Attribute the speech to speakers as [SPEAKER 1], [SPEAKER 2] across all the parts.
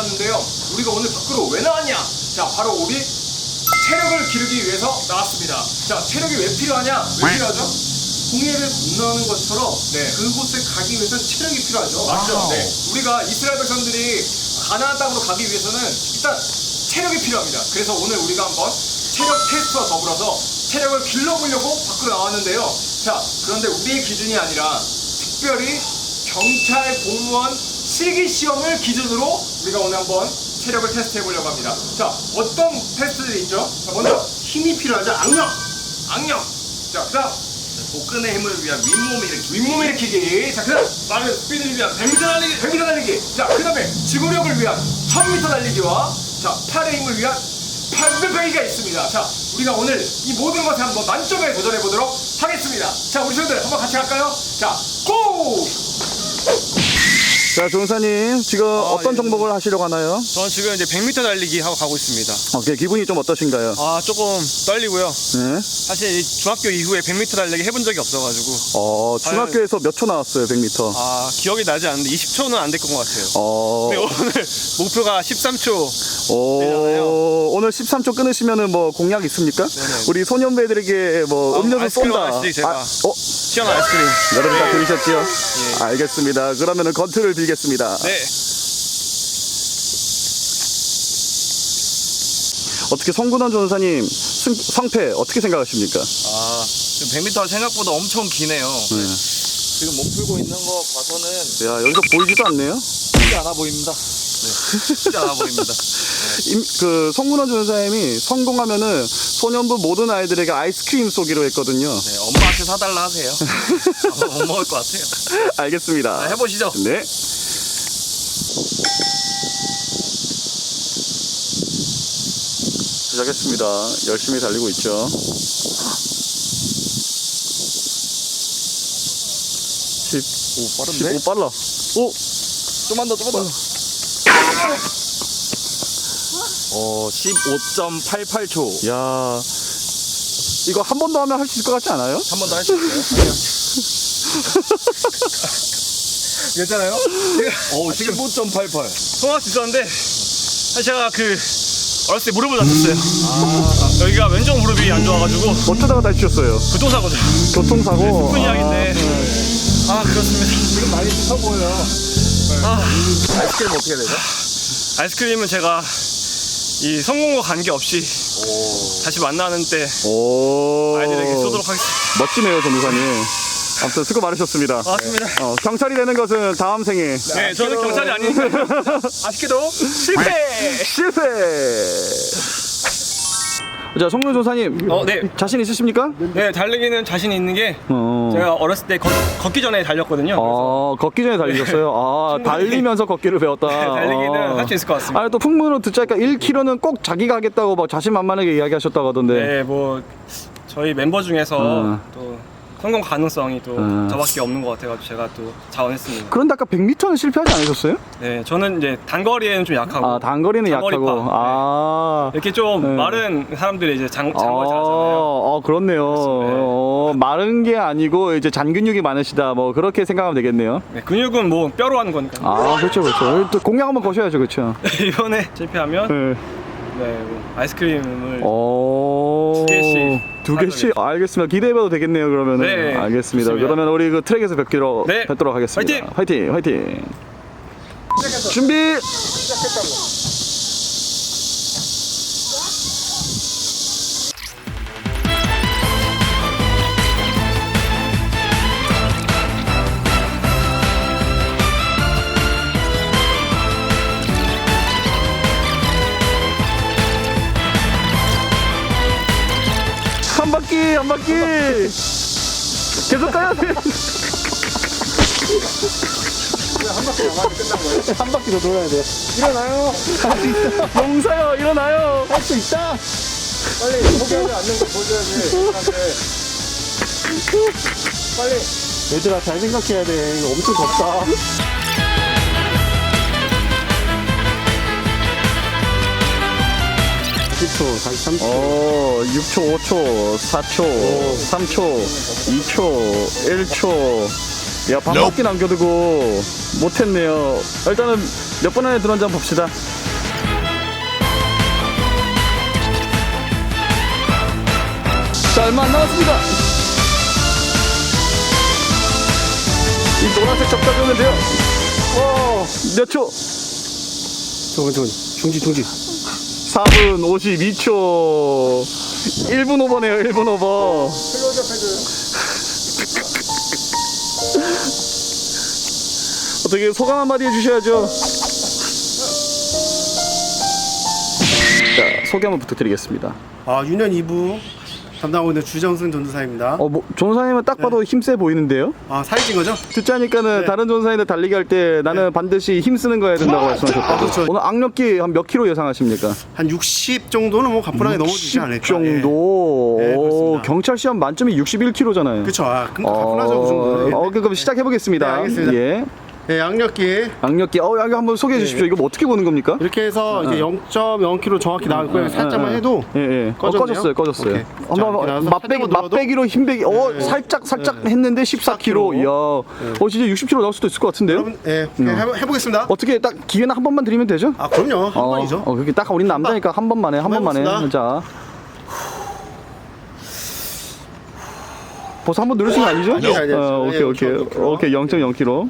[SPEAKER 1] 나왔는데요. 우리가 오늘 밖으로 왜 나왔냐? 자, 바로 우리 체력을 기르기 위해서 나왔습니다. 자, 체력이 왜 필요하냐? 왜 필요하죠? 홍해를 건너는 것처럼 그곳에 가기 위해서는 체력이 필요하죠. 맞죠? 네. 우리가 이스라엘 백성들이 가나안 땅으로 가기 위해서는 일단 체력이 필요합니다. 그래서 오늘 우리가 한번 체력 테스트와 더불어서 체력을 길러보려고 밖으로 나왔는데요. 자, 그런데 우리의 기준이 아니라 특별히 경찰 공무원 실기시험을 기준으로 우리가 오늘 한번 체력을 테스트 해보려고 합니다. 자, 어떤 테스트들이 있죠? 자, 먼저 힘이 필요하죠. 악력. 자, 그 다음
[SPEAKER 2] 복근의 힘을 위한
[SPEAKER 1] 윗몸 일으키기. 자, 그 다음
[SPEAKER 2] 빠른 스피드를 위한 100m 달리기.
[SPEAKER 1] 100m 달리기. 자, 그 다음에 지구력을 위한 1000m 달리기와 자, 팔의 힘을 위한 800배기가 있습니다. 자, 우리가 오늘 이 모든 것에 한번 만점에 도전해보도록 하겠습니다. 자, 우리 친구들 한번 같이 할까요? 자, 고!
[SPEAKER 3] 자, 조은사님 지금 어떤 종목을 하시려고 하나요?
[SPEAKER 2] 저는 지금 이제 100m 달리기 하고 가고 있습니다.
[SPEAKER 3] 기분이 좀 어떠신가요?
[SPEAKER 2] 조금 떨리고요.
[SPEAKER 3] 네.
[SPEAKER 2] 사실 이 중학교 이후에 100m 달리기 해본 적이 없어가지고
[SPEAKER 3] 중학교에서 몇 초 나왔어요, 100m?
[SPEAKER 2] 기억이 나지 않는데 20초는 안 될 것 같아요. 근데 오늘 목표가 13초.
[SPEAKER 3] 오늘 13초 끊으시면은 뭐 공약 있습니까?
[SPEAKER 2] 네네.
[SPEAKER 3] 우리 소년배들에게 뭐 음료수
[SPEAKER 2] 아이스크림
[SPEAKER 3] 쏜다.
[SPEAKER 2] 하나씩 제가. 시원한 아이스크림.
[SPEAKER 3] 여러분 다 들으셨죠?
[SPEAKER 2] 예.
[SPEAKER 3] 알겠습니다. 그러면은 건투를 빌겠습니다.
[SPEAKER 2] 네.
[SPEAKER 3] 어떻게 성군원 조은사님 성패 어떻게 생각하십니까?
[SPEAKER 2] 지금 100m 생각보다 엄청 기네요. 지금 몸 풀고 있는 거 봐서는
[SPEAKER 3] 야, 여기서 보이지도 않네요.
[SPEAKER 2] 쉽지 않아 보입니다. 쉽지 않아 보입니다.
[SPEAKER 3] 그 성군원 조은사님이 성공하면은 소년부 모든 아이들에게 아이스크림 쏘기로 했거든요.
[SPEAKER 2] 네, 엄마한테 사달라 하세요. 못 먹을 것 같아요.
[SPEAKER 3] 알겠습니다.
[SPEAKER 2] 해보시죠.
[SPEAKER 3] 네. 시작했습니다. 열심히 달리고 있죠. 10,
[SPEAKER 2] 빠른데?
[SPEAKER 3] 15 빨라. 오!
[SPEAKER 2] 좀만 더. 15.88초.
[SPEAKER 3] 야, 이거 한 번 더 하면 할 수 있을 것 같지 않아요?
[SPEAKER 2] 한 번 더 할 수 있어요? 괜찮아요? 지금
[SPEAKER 3] 15.88.
[SPEAKER 2] 통화할 수 있었는데 사실 제가 어렸을 때 무릎을 다쳤어요. 여기가 왼쪽 무릎이 안 좋아가지고
[SPEAKER 3] 어쩌다가 다치셨어요?
[SPEAKER 2] 교통사고죠.
[SPEAKER 3] 교통사고.
[SPEAKER 2] 슬픈 이야기인데 그렇습니다.
[SPEAKER 3] 지금 많이 씻어 보여요. 아이스크림 어떻게 되죠?
[SPEAKER 2] 아이스크림은 제가 이 성공과 관계없이 다시 만나는 때 아이들에게 쏘도록 하겠습니다.
[SPEAKER 3] 멋지네요, 전도사님. 아무튼 수고 많으셨습니다.
[SPEAKER 2] 맞습니다.
[SPEAKER 3] 경찰이 되는 것은 다음 생에.
[SPEAKER 2] 네, 저는 경찰이 아니니까요. 아쉽게도 실패!
[SPEAKER 3] 실패! 자, 성군 조사님.
[SPEAKER 2] 네.
[SPEAKER 3] 자신 있으십니까?
[SPEAKER 2] 네, 달리기는 자신 있는 게 제가 어렸을 때 걷기 전에 달렸거든요.
[SPEAKER 3] 걷기 전에 달리셨어요? 달리면서 걷기를 배웠다.
[SPEAKER 2] 달리기는 할 수 있을 것 같습니다.
[SPEAKER 3] 또 풍문으로 듣자니까 1km는 꼭 자기가 하겠다고 막 자신만만하게 이야기하셨다고 하던데.
[SPEAKER 2] 네, 뭐 저희 멤버 중에서 또 성공 가능성이 또 저밖에 없는 것 같아가지고 제가 또 자원했습니다.
[SPEAKER 3] 그런데 아까 100m는 실패하지 않으셨어요?
[SPEAKER 2] 네, 저는 이제 단거리에는 좀 약하고.
[SPEAKER 3] 단거리는
[SPEAKER 2] 장거리파.
[SPEAKER 3] 약하고.
[SPEAKER 2] 이렇게 좀 마른 사람들이 이제 장거리 잘하잖아요.
[SPEAKER 3] 그렇네요. 마른 게 아니고 이제 잔근육이 많으시다. 뭐 그렇게 생각하면 되겠네요.
[SPEAKER 2] 네, 근육은 뭐 뼈로 하는 거니까.
[SPEAKER 3] 그렇죠. 또 공약 한번 거셔야죠, 그렇죠.
[SPEAKER 2] 이번에 실패하면 뭐 아이스크림을
[SPEAKER 3] 두 개씩. 알겠습니다. 기대해봐도 되겠네요, 그러면은.
[SPEAKER 2] 네,
[SPEAKER 3] 알겠습니다.
[SPEAKER 2] 좋습니다.
[SPEAKER 3] 그러면 우리 트랙에서 뵙도록 하겠습니다. 화이팅! 준비! 한 바퀴 계속 가야 돼.
[SPEAKER 1] 한 바퀴 남았는데 끝난 거예요?
[SPEAKER 3] 한 바퀴 더 돌아야 돼.
[SPEAKER 1] 일어나요.
[SPEAKER 3] 할 수 있다. 용사요, 일어나요. 할 수 있다.
[SPEAKER 1] 빨리 포기하지 않는 거 보여줘야지. 빨리.
[SPEAKER 3] 얘들아, 잘 생각해야 돼. 이거 엄청 덥다. 10초, 43초. 6초, 5초, 4초, 3초, 2초, 1초. 야, 밥 먹기 남겨두고 못했네요. 일단은 몇 번 안에 들어온지 한번 봅시다. 자, 얼마 안 남았습니다. 이 노란색 적당히 오면 돼요. 몇 초?
[SPEAKER 2] 중지.
[SPEAKER 3] 4분 52초. 1분 오버네요, 1분 오버. 어떻게 소감 한마디 해주셔야죠. 자, 소개 한번 부탁드리겠습니다.
[SPEAKER 4] 유년 2부 담당하고 있는 주정승 전도사입니다.
[SPEAKER 3] 뭐 전사님은 딱 봐도 힘세 보이는데요?
[SPEAKER 4] 사진 찍은 거죠?
[SPEAKER 3] 듣자니까는
[SPEAKER 4] 네.
[SPEAKER 3] 다른 전사님들 달리기 할 때 나는 반드시 힘쓰는 거 해야 된다고 말씀하셨다고.
[SPEAKER 4] 그렇죠.
[SPEAKER 3] 오늘 악력기 한 몇 킬로 예상하십니까?
[SPEAKER 4] 한 60 정도는 뭐 가뿐하게 넘어지지 않을까.
[SPEAKER 3] 정도.
[SPEAKER 4] 네, 그렇습니다.
[SPEAKER 3] 경찰 시험 만점이 61킬로잖아요.
[SPEAKER 4] 그쵸. 근데 가뿐하죠, 그 정도는.
[SPEAKER 3] 그럼 시작해 보겠습니다.
[SPEAKER 4] 네, 알겠습니다.
[SPEAKER 3] 예.
[SPEAKER 4] 네, 양력기.
[SPEAKER 3] 악력기. 여기 한번 소개해 주십시오. 이거 뭐 어떻게 보는 겁니까?
[SPEAKER 4] 이렇게 해서 이제 0.0kg 정확히 나올 거예요. 살짝만 해도.
[SPEAKER 3] 예.
[SPEAKER 4] 꺼졌네요?
[SPEAKER 3] 꺼졌어요.
[SPEAKER 4] 오케이.
[SPEAKER 3] 한번
[SPEAKER 4] 자, 이렇게 나와서 살짝만 눌러도?
[SPEAKER 3] 맛배기로 힘배기. 살짝 했는데 14kg. 이야. 진짜 60kg 나올 수도 있을 것 같은데요?
[SPEAKER 4] 여러분, 해보겠습니다.
[SPEAKER 3] 어떻게 딱 기회는 한 번만 드리면 되죠?
[SPEAKER 4] 그럼요. 한 번이죠.
[SPEAKER 3] 그렇게 딱 우린 남자니까 한 번만 해. 한 번만 해.
[SPEAKER 4] 해보겠습니다.
[SPEAKER 3] 자. 벌써 한 번 누르신 거 아니죠?
[SPEAKER 4] 아니요.
[SPEAKER 3] 오케이. 0.0kg.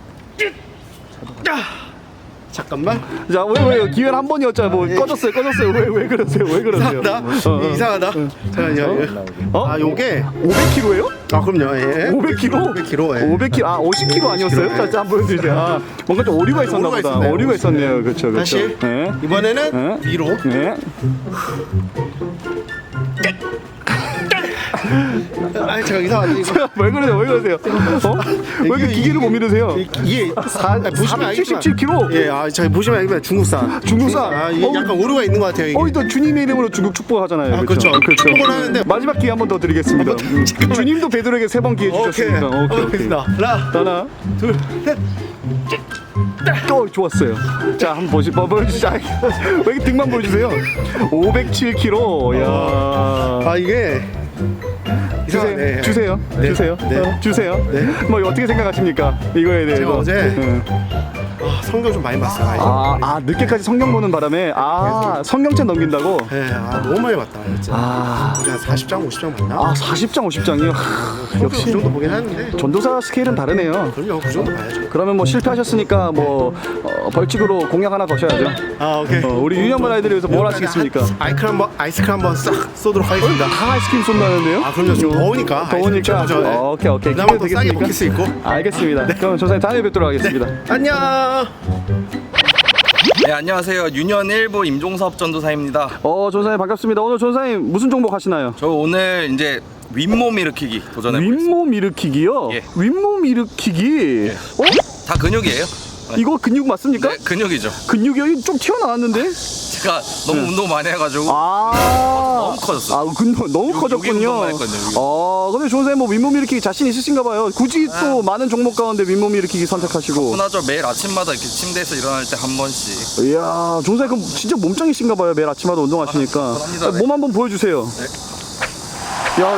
[SPEAKER 4] 잠깐만.
[SPEAKER 3] 자, 왜 기회는 한 번이었잖아. 뭐 꺼졌어요. 왜 그러세요?
[SPEAKER 4] 이상하다. 이상하다. 잠깐만요. 요게
[SPEAKER 3] 500kg예요?
[SPEAKER 4] 그럼요. 예.
[SPEAKER 3] 500kg?
[SPEAKER 4] 500kg. 예.
[SPEAKER 3] 500kg. 50kg 아니었어요? 자, 한번 보여주세요. 뭔가 좀 오류가 있었나
[SPEAKER 4] 오류가
[SPEAKER 3] 보다.
[SPEAKER 4] 있었네요.
[SPEAKER 3] 오류가 있었네요. 그렇죠.
[SPEAKER 4] 다시.
[SPEAKER 3] 네.
[SPEAKER 4] 이번에는
[SPEAKER 3] 네.
[SPEAKER 4] 위로.
[SPEAKER 3] 네.
[SPEAKER 4] 제가 이상하지 이거.
[SPEAKER 3] 왜 그러세요? 왜 이렇게 기계를 못 믿으세요?
[SPEAKER 4] 이게 보시면 알겠지만
[SPEAKER 3] 77kg.
[SPEAKER 4] 저희 보시면 알겠지만 중국산. 이게 약간 오류가 있는 것 같아요. 이게.
[SPEAKER 3] 또 주님의 이름으로 중국 축복하잖아요.
[SPEAKER 4] 그렇죠. 축복을 하는데
[SPEAKER 3] 마지막 기회 한 번 더 드리겠습니다. 주님도 베드로에게 3번 기회 주셨으니까. 오케이. 하나, 둘, 셋. 좋았어요. 자, 한번 보여주시죠. 왜 이렇게 등만 보여주세요? 507kg. 야.
[SPEAKER 4] 이게 이상하네.
[SPEAKER 3] 주세요.
[SPEAKER 4] 네.
[SPEAKER 3] 주세요.
[SPEAKER 4] 네.
[SPEAKER 3] 뭐 어떻게 생각하십니까? 이거에 대해서.
[SPEAKER 4] 제가 어제
[SPEAKER 3] 응.
[SPEAKER 4] 성경 좀 많이 봤어요.
[SPEAKER 3] 늦게까지 성경 보는 바람에 성경책 넘긴다고?
[SPEAKER 4] 네, 너무 많이 봤다. 진짜. 한 40장, 50장 봤나?
[SPEAKER 3] 40장, 50장이요?
[SPEAKER 4] 역시 그 정도 보긴 하는데.
[SPEAKER 3] 전도사 스케일은 다르네요.
[SPEAKER 4] 그럼요, 그 정도 봐야죠.
[SPEAKER 3] 그러면 뭐 실패하셨으니까 벌칙으로 공약 하나 거셔야죠.
[SPEAKER 4] 오케이.
[SPEAKER 3] 우리 유년반 아이들을 위해서 뭘 하시겠습니까?
[SPEAKER 4] 아이스크림 한번 싹 쏘도록 하겠습니다.
[SPEAKER 3] 다 아이스크림 쏜다는데요?
[SPEAKER 4] 그럼요. 좀 더우니까.
[SPEAKER 3] 더우니까.
[SPEAKER 4] 아이스크림 최고죠.
[SPEAKER 3] 오케이.
[SPEAKER 4] 그다음에 또 싸게
[SPEAKER 3] 되겠습니까?
[SPEAKER 4] 먹힐 수 있고.
[SPEAKER 3] 알겠습니다. 그럼 조사님 다음에 뵙도록 하겠습니다.
[SPEAKER 4] 안녕.
[SPEAKER 5] 네, 안녕하세요. 유년 1부 임종섭 전도사입니다.
[SPEAKER 3] 조사님 반갑습니다. 오늘 조사님 무슨 종목 하시나요?
[SPEAKER 5] 저 오늘 이제 윗몸 일으키기 도전해보겠습니다.
[SPEAKER 3] 윗몸 일으키기요?
[SPEAKER 5] 예.
[SPEAKER 3] 윗몸 일으키기?
[SPEAKER 5] 다 근육이에요.
[SPEAKER 3] 이거 근육 맞습니까?
[SPEAKER 5] 네, 근육이죠.
[SPEAKER 3] 근육이 좀 튀어나왔는데?
[SPEAKER 5] 제가 너무 운동 많이 해가지고
[SPEAKER 3] 너무
[SPEAKER 5] 커졌어.
[SPEAKER 3] 너무
[SPEAKER 5] 여기
[SPEAKER 3] 커졌군요.
[SPEAKER 5] 운동만 했거든요,
[SPEAKER 3] 근데 조사님 뭐 윗몸 일으키기 자신 있으신가 봐요. 굳이 또 많은 종목 가운데 윗몸 일으키기 선택하시고.
[SPEAKER 5] 흔하죠. 매일 아침마다 이렇게 침대에서 일어날 때 한 번씩.
[SPEAKER 3] 이야, 조사님 그럼 진짜 몸짱이신가 봐요. 매일 아침마다 운동하시니까.
[SPEAKER 5] 그럽니다, 네.
[SPEAKER 3] 몸 한번 보여주세요. 야,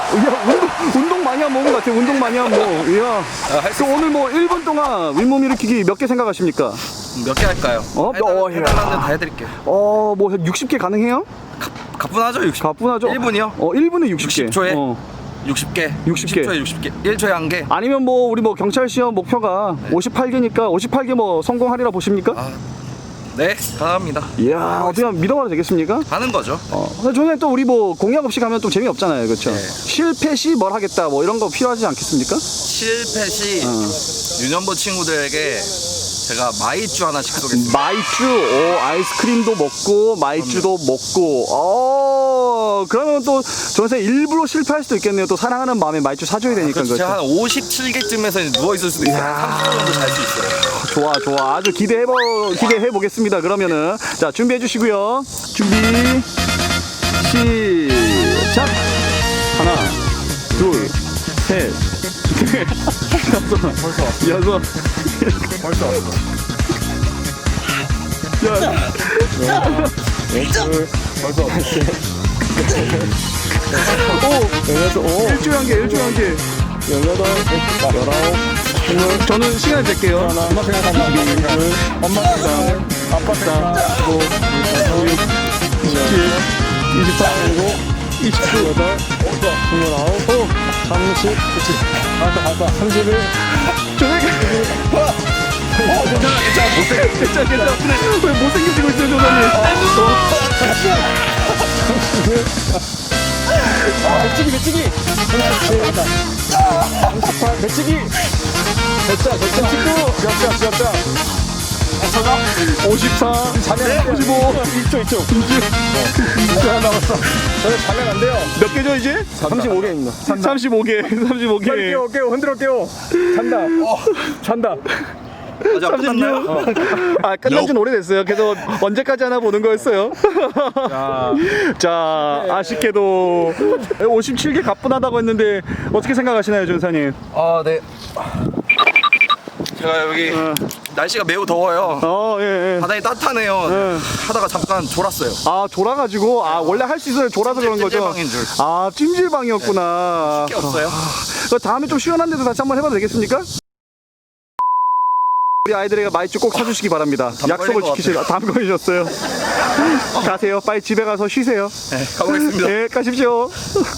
[SPEAKER 3] 운동 많이 한 몸 같아요. 운동 많이 한 몸. 이야.
[SPEAKER 5] 할수
[SPEAKER 3] 그 오늘 뭐 1분 동안 윗몸 일으키기 몇 개 생각하십니까?
[SPEAKER 5] 몇 개 할까요? 해달라는 다 해드릴게요.
[SPEAKER 3] 뭐 60개 가능해요?
[SPEAKER 5] 가뿐하죠, 60.
[SPEAKER 3] 가뿐하죠.
[SPEAKER 5] 1분이요?
[SPEAKER 3] 1분에 60개.
[SPEAKER 5] 60초에 60개.
[SPEAKER 3] 60개.
[SPEAKER 5] 60초에 60개. 1초에 1개.
[SPEAKER 3] 아니면 뭐 우리 뭐 경찰 시험 목표가 58개니까 58개 뭐 성공하리라 보십니까?
[SPEAKER 5] 네, 가능합니다.
[SPEAKER 3] 이야, 어떻게 하면 믿어봐도 되겠습니까?
[SPEAKER 5] 하는 거죠.
[SPEAKER 3] 저는 또 우리 뭐 공약 없이 가면 좀 재미없잖아요. 그렇죠?
[SPEAKER 5] 네.
[SPEAKER 3] 실패 시 뭘 하겠다 뭐 이런 거 필요하지 않겠습니까?
[SPEAKER 5] 실패 시 유년부 친구들에게 제가 마이쮸 하나씩 쏘겠습니다.
[SPEAKER 3] 마이쮸, 아이스크림도 먹고 마이쮸도 먹고. 그러면 또 저는 일부러 실패할 수도 있겠네요. 또 사랑하는 마음에 마이쮸 사줘야 되니까.
[SPEAKER 5] 그렇죠. 제가 한
[SPEAKER 3] 그렇죠?
[SPEAKER 5] 57개쯤에서 누워 있을 수도 있어요. 30분 정도 잘 수 있어요.
[SPEAKER 3] 좋아. 아주 기대해 보겠습니다. 그러면은 자, 준비해 주시고요. 준비 시작. 하나, 둘, 셋, 넷, 다섯, 여섯.
[SPEAKER 2] 벌써 왔어. 벌써 왔어.
[SPEAKER 3] 일주일 한 개.
[SPEAKER 2] 18, 19, 20.
[SPEAKER 3] 저는 시간 잴게요.
[SPEAKER 2] 엄마 생각한다. 엄마 생각. 아빠 생각.
[SPEAKER 3] 27, 28, 29, 28,
[SPEAKER 2] 29, 30, 그치. 갈까. 31.
[SPEAKER 3] 괜찮아. 왜 못생겨지고 있어요, 조사님?
[SPEAKER 2] 배치기. 37. 38. 배치기. 됐자. 39. 몇 자.
[SPEAKER 3] 54, 55,
[SPEAKER 2] 2초. 2초 하나 남았어. 저는 자면 안 돼요.
[SPEAKER 3] 몇 개죠, 이제?
[SPEAKER 2] 35개입니다.
[SPEAKER 3] 35개.
[SPEAKER 2] 깨워. 흔들어 깨워. 잔다.
[SPEAKER 5] 아직 안 끝났나요?
[SPEAKER 3] 아, 끝난 지는 오래됐어요. 그래서 언제까지 하나 보는 거였어요. 자, 아쉽게도 57개 가뿐하다고 했는데 어떻게 생각하시나요, 전사님?
[SPEAKER 5] 아, 네. 제가 여기 날씨가 매우 더워요.
[SPEAKER 3] 예.
[SPEAKER 5] 바닥이 따뜻하네요. 하다가 잠깐 졸았어요.
[SPEAKER 3] 아, 졸아가지고, 원래 할 수 있어요. 졸아서 그런 거죠?
[SPEAKER 5] 찜질방인 줄.
[SPEAKER 3] 아, 찜질방이었구나.
[SPEAKER 5] 쉽게 없어요.
[SPEAKER 3] 다음에 좀 시원한 데도 다시 한번 해봐도 되겠습니까? 우리 아이들에게 마이쮸 꼭 사주시기 바랍니다. 약속을
[SPEAKER 5] 걸린 것
[SPEAKER 3] 지키시라. 담 걸리셨어요. 가세요. 빨리 집에 가서 쉬세요.
[SPEAKER 5] 네, 가보겠습니다.
[SPEAKER 3] 네, 가십시오.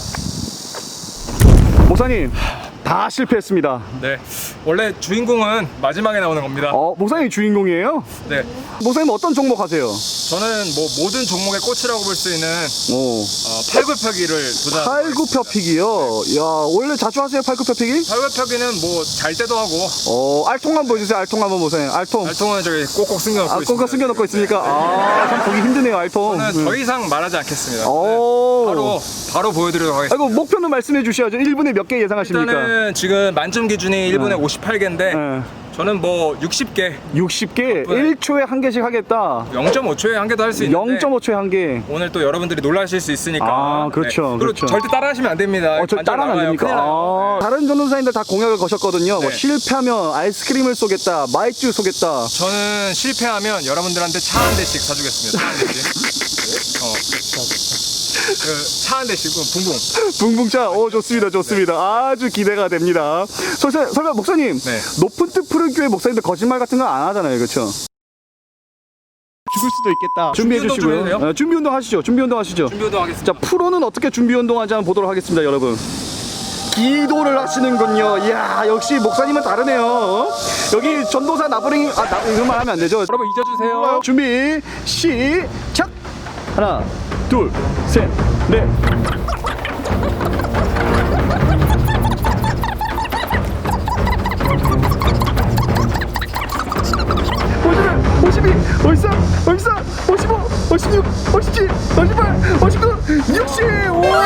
[SPEAKER 3] 목사님, 다 실패했습니다.
[SPEAKER 1] 네. 원래 주인공은 마지막에 나오는 겁니다.
[SPEAKER 3] 목사님이 주인공이에요?
[SPEAKER 1] 네.
[SPEAKER 3] 목사님 어떤 종목 하세요?
[SPEAKER 1] 저는 뭐 모든 종목의 꽃이라고 볼 수 있는
[SPEAKER 3] 오,
[SPEAKER 1] 팔굽혀기를 도전합니다.
[SPEAKER 3] 팔굽혀펴기요? 야, 원래 자주 하세요, 팔굽혀펴기?
[SPEAKER 1] 팔굽혀기는 뭐 잘 때도 하고
[SPEAKER 3] 알통 한번 보여주세요, 알통 한번 보세요. 알통.
[SPEAKER 1] 알통은 저기 꼭꼭 숨겨놓고 있습니다.
[SPEAKER 3] 꽁꽁 숨겨놓고 있으니까. 참 보기 힘드네요, 알통.
[SPEAKER 1] 저는 더 이상 말하지 않겠습니다.
[SPEAKER 3] 오.
[SPEAKER 1] 바로 보여드리도록 하겠습니다.
[SPEAKER 3] 아이고, 목표는 말씀해 주셔야죠. 1분에 몇 개 예상하십니까?
[SPEAKER 1] 일단은 지금 만점 기준이 1분에 58개인데
[SPEAKER 3] 네.
[SPEAKER 1] 저는 뭐 60개,
[SPEAKER 3] 60개, 1초에 한 개씩 하겠다.
[SPEAKER 1] 0.5초에 한 개도 할 수 있는데
[SPEAKER 3] 0.5초에 한 개.
[SPEAKER 1] 오늘 또 여러분들이 놀라실 수 있으니까.
[SPEAKER 3] 아, 그렇죠,
[SPEAKER 1] 그리고
[SPEAKER 3] 그렇죠.
[SPEAKER 1] 절대 따라하시면 안 됩니다.
[SPEAKER 3] 저
[SPEAKER 1] 관절
[SPEAKER 3] 따라하면 안
[SPEAKER 1] 나가요.
[SPEAKER 3] 됩니까?
[SPEAKER 1] 큰일 나요. 네.
[SPEAKER 3] 다른 전도사님들 다 공약을 거셨거든요. 뭐
[SPEAKER 1] 네.
[SPEAKER 3] 실패하면 아이스크림을 쏘겠다, 마이쮸 쏘겠다.
[SPEAKER 1] 저는 실패하면 여러분들한테 차 한 대씩 사주겠습니다. 차 한 대씩. 차 한 대씩 붕붕.
[SPEAKER 3] 붕붕차. 좋습니다. 아주 기대가 됩니다. 설마 목사님,
[SPEAKER 1] 네.
[SPEAKER 3] 높은 뜻 푸른 교회 목사님들 거짓말 같은 거 안 하잖아요, 그렇죠? 죽을 수도 있겠다. 준비해
[SPEAKER 1] 준비 운동 좀
[SPEAKER 3] 주시고요.
[SPEAKER 1] 해도 돼요?
[SPEAKER 3] 준비 운동 하시죠. 준비 운동 하시죠.
[SPEAKER 1] 준비도 하겠습니다.
[SPEAKER 3] 자, 프로는 어떻게 준비 운동하지 한번 보도록 하겠습니다, 여러분. 기도를 하시는군요. 이야, 역시 목사님은 다르네요. 여기 전도사 나부랭이, 이런 말 하면 안 되죠.
[SPEAKER 1] 여러분 잊어주세요.
[SPEAKER 3] 준비, 시작! 하나, 둘, 셋, 넷. 52, 53, 54, 55, 56, 57, 58, 59, 60! 와!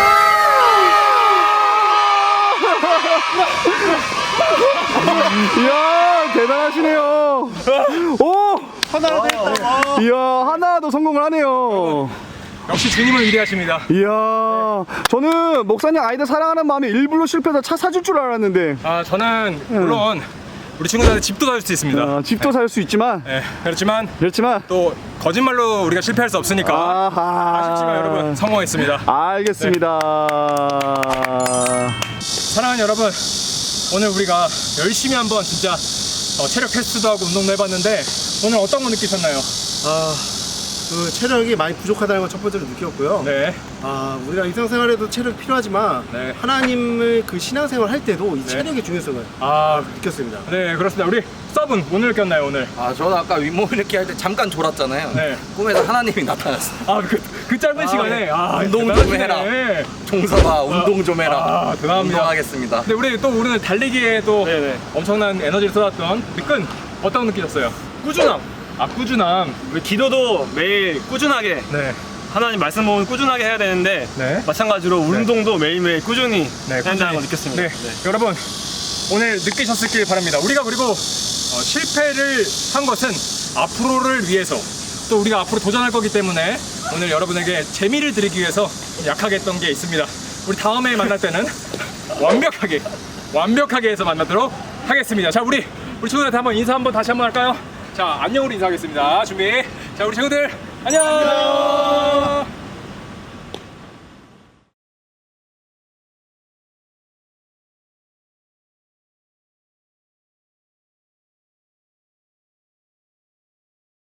[SPEAKER 3] 이야, 대단하시네요. 오! 이야, 하나도 성공을 하네요.
[SPEAKER 1] 역시 주님은 위대하십니다.
[SPEAKER 3] 이야, 저는 목사님 아이들 사랑하는 마음에 일부러 실패해서 차 사줄 줄 알았는데.
[SPEAKER 1] 저는 물론 우리 친구들한테 집도 사줄 수 있습니다.
[SPEAKER 3] 집도 살 수 있지만.
[SPEAKER 1] 네, 그렇지만
[SPEAKER 3] 또
[SPEAKER 1] 거짓말로 우리가 실패할 수 없으니까 아쉽지만 여러분 성공했습니다.
[SPEAKER 3] 알겠습니다.
[SPEAKER 1] 사랑하는 여러분, 오늘 우리가 열심히 한번 진짜 체력 테스트도 하고 운동도 해봤는데 오늘 어떤 거 느끼셨나요?
[SPEAKER 4] 그 체력이 많이 부족하다는 걸 첫 번째로 느꼈고요.
[SPEAKER 1] 네.
[SPEAKER 4] 우리가 일상생활에도 체력이 필요하지만
[SPEAKER 1] 네.
[SPEAKER 4] 하나님을 그 신앙생활 할 때도 이 체력의 중요성을 느꼈습니다.
[SPEAKER 1] 네, 그렇습니다. 우리 서브는 뭐 느꼈나요 오늘?
[SPEAKER 5] 저는 아까 윗몸 이렇게 할 때 잠깐 졸았잖아요.
[SPEAKER 1] 네.
[SPEAKER 5] 꿈에서 하나님이 나타났어요.
[SPEAKER 1] 그 짧은 시간에
[SPEAKER 5] 운동 좀 해라. 종서봐, 운동 좀 해라.
[SPEAKER 1] 대단합니다.
[SPEAKER 5] 운동하겠습니다.
[SPEAKER 1] 근데 우리 또 오늘 달리기에 또
[SPEAKER 2] 네네.
[SPEAKER 1] 엄청난 에너지를 쏟았던 미끈 어떤 거 느끼셨어요?
[SPEAKER 2] 꾸준함.
[SPEAKER 1] 꾸준함.
[SPEAKER 2] 우리 기도도 매일 꾸준하게
[SPEAKER 1] 네.
[SPEAKER 2] 하나님 말씀 보면 꾸준하게 해야 되는데
[SPEAKER 1] 네.
[SPEAKER 2] 마찬가지로 운동도 매일매일 꾸준히 해야 된다는 걸 느꼈습니다.
[SPEAKER 1] 네. 여러분 오늘 느끼셨길 바랍니다. 우리가 그리고 실패를 한 것은 앞으로를 위해서 또 우리가 앞으로 도전할 거기 때문에 오늘 여러분에게 재미를 드리기 위해서 약하게 했던 게 있습니다. 우리 다음에 만날 때는 완벽하게 해서 만나도록 하겠습니다. 자, 우리 친구들한테 한번 인사 다시 한번 할까요? 자, 안녕으로 인사하겠습니다. 준비. 자, 우리 친구들 안녕.